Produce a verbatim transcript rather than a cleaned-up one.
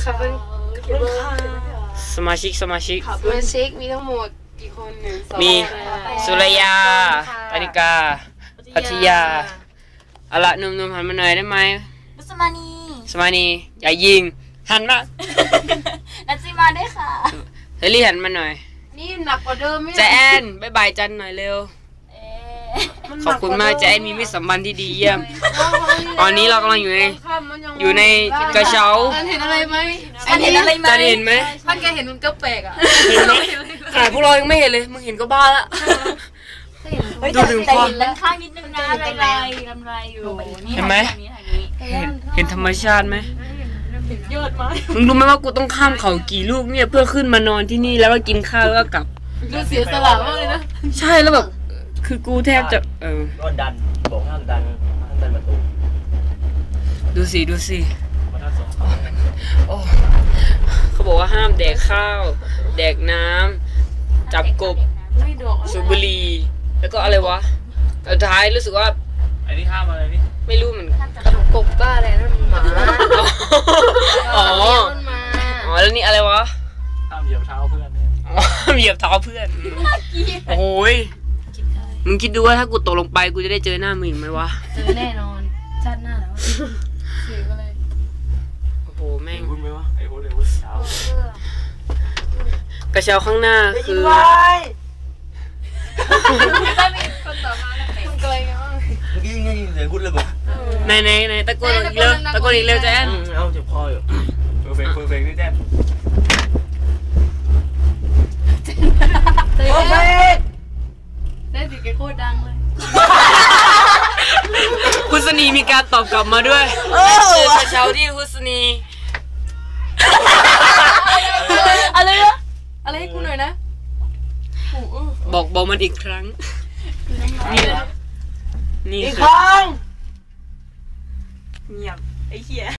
ค่ะเป็นสมาชิกสมาชิกสมาชิกมีทั้งหมดกี่คนหนึ่งสองมีสุรยาปานิกาพัทยาเอาละหนุ่มๆหันมาหน่อยได้ไหมสมานีสมานีอย่ายิงหันมานัทซิมาได้ค่ะเฮลี่หันมาหน่อยนี่หนักกว่าเดิมไหมแจนบายบายจันหน่อยเร็วขอบคุณมากแจนมีมิตรสัมพันธ์ที่ดีเยี่ยมตอนนี้เรากำลังอยู่ในอยู่ในกระเช้าเห็นอะไรไหมอันเห็นอะไรไหมจันเห็นไหมท่านแกเห็นมันก็แปลกอ่ะเห็นไหมขนาดพวกเรายังไม่เห็นเลยมึงเห็นก็บ้าละดูถึงความด้านข้างนิดนึงนะลายลายลำลายอยู่เห็นไหมเห็นธรรมชาติไหมยอดมากมึงรู้ไหมว่ากูต้องข้ามเขากี่ลูกเนี่ยเพื่อขึ้นมานอนที่นี่แล้วก็กินข้าวแล้วก็กลับดูเสียสละมากเลยนะใช่แล้วแบบคือกูแทบจะเออก็ดันบอกห้ามดันห้ามดันประตูดูสิดูสิโอ้เขาบอกว่าห้ามแดกข้าวแดกน้ำจับกบสูบบุหรี่แล้วก็อะไรวะสุดท้ายรู้สึกว่าไอ้นี่ห้ามอะไรนี่ไม่รู้เหมือนกบบ้าอะไรนั่นหมาอ๋ออ๋อแล้วนี่อะไรวะห้ามเหยียบเท้าเพื่อนอ๋อเหยียบเท้าเพื่อนโอ้ยมึงคิดดูว่าถ้ากูตกลงไปกูจะได้เจอหน้ามึงอีกไหมวะเจอแน่นอนชาติหน้าแล้วเสียอะไรโอ้โหแม่งพูดไหมวะไอ้พูดเลยพูดเช้ากระเช้าข้างหน้าคือคนต่อมาแล้วเป็นเกยไงวะเมื่อกี้ยังไงเสียงพูดเลยบอกในในในตะโกนอีกเร็วตะโกนอีกเร็วแจนเอาเจ็บคออยู่เพอร์เฟกต์เพอร์เฟกต์นี่แจนโอเคได้สิแกโคตรดังเลยฮุสนีมีการตอบกลับมาด้วยเจอกระเช้าที่ฮุสนีอะไรนะอะไรให้กูหน่อยนะบอกบอกมันอีกครั้งนี่นี่อีกครั้งเงียบไอ้เหี้ย